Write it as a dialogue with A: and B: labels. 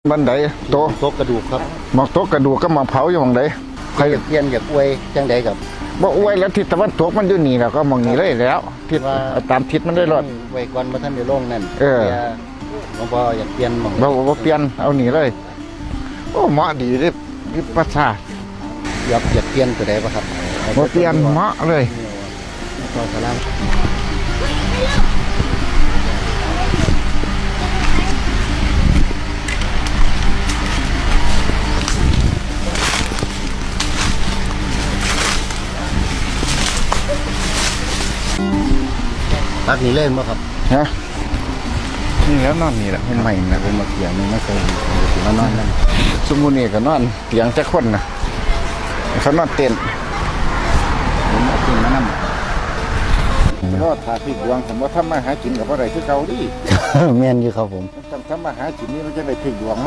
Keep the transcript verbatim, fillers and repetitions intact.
A: บันไดโต
B: โต๊ะกระดูกครับ
A: หมอกโตกระดูกก็มาเผาอยู่หมองใด
B: ใครอยากเปลี่ยนอยากอวยจังใดกับ
A: บ่อวยแล้วทิศตะวันตกมันอยู่นี่แล้วก็มองนี่เลยแล้วทิศ
B: ว่า
A: ตามทิศมันได้รอด
B: ไว้ก่อนมาท่านในโรงนั่น
A: เออ
B: หลวงพ่ออยากเปลี่ยนหมอง
A: บ่บ่เปลี่ยนเอานี่เลยโอ้เหมาะดีเด้วิปัสสนา
B: อยากอยากเปลี่ยนตัวใดป่ะครับ
A: บ่เปลี่ยนเหมาะเลย
B: ก็สลามพักนี้เล่นป่ะครับ
A: ฮะนี่แล้วนอนนี่แหละมันใหม่นะ
B: ผมมาเขียนนี่ไม่เคยมานอนนั่น
A: สมมุตินี่ก็นอนเตียงจักคนนะเขานอนเต็นท์
B: ผมเอาขึ้นมานั่ง
A: รอดทาพิกดวงผมว่าทำมาหากินกับอะไรคือเก่าดิ
B: แม่นอยู่ครับผม
A: ทำทำมาหากินนี่มันจะได้พิกดวง